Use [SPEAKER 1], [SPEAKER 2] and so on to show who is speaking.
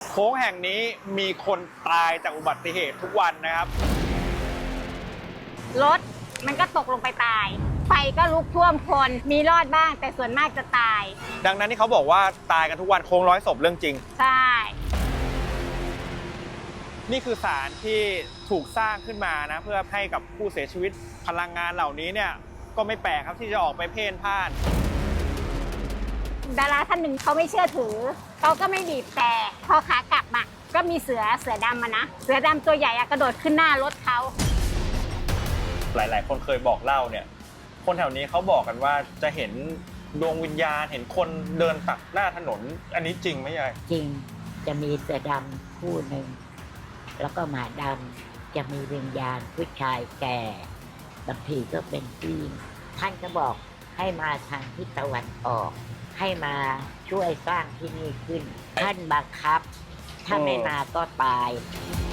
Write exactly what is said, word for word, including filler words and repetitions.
[SPEAKER 1] โค้งแห่งนี้มีคนตายจากอุบัติเหตุทุกวันนะครับ
[SPEAKER 2] รถมันก็ตกลงไปตายไฟก็ลุกท่วมคนมีรอดบ้างแต่ส่วนมากจะตาย
[SPEAKER 1] ดังนั้นที่เขาบอกว่าตายกันทุกวันโค้งร้อยศพเรื่องจริง
[SPEAKER 2] ใช่
[SPEAKER 1] นี่คือศาลที่ถูกสร้างขึ้นมานะเพื่อให้กับผู้เสียชีวิตพลังงานเหล่านี้เนี่ยก็ไม่แปลกครับที่จะออกไปเพ่นพ่าน
[SPEAKER 2] ดาราท่านหนึ่งเขาไม่เชื่อถือเขาก็ไม่บีบแต่พอขากลับมาก็มีเสือเสือดำมานะเสือดำตัวใหญ่กระโดดขึ้นหน้ารถเขา
[SPEAKER 1] หลายๆคนเคยบอกเล่าเนี่ยคนแถวนี้เขาบอกกันว่าจะเห็นดวงวิญญาณเห็นคนเดินตัดหน้าถนนอันนี้จริงไหมยาย
[SPEAKER 3] จริงจะมีเสือดำคู่หนึ่งแล้วก็หมาดำจะมีวิญญาณผู้ชายแก่บางทีก็เป็นผู้หญิงท่านก็บอกให้มาทางทิศตะวันออกให้มาช่วยสร้างที่นี่ขึ้นท่านบังคับถ้าไม่มาก็ตาย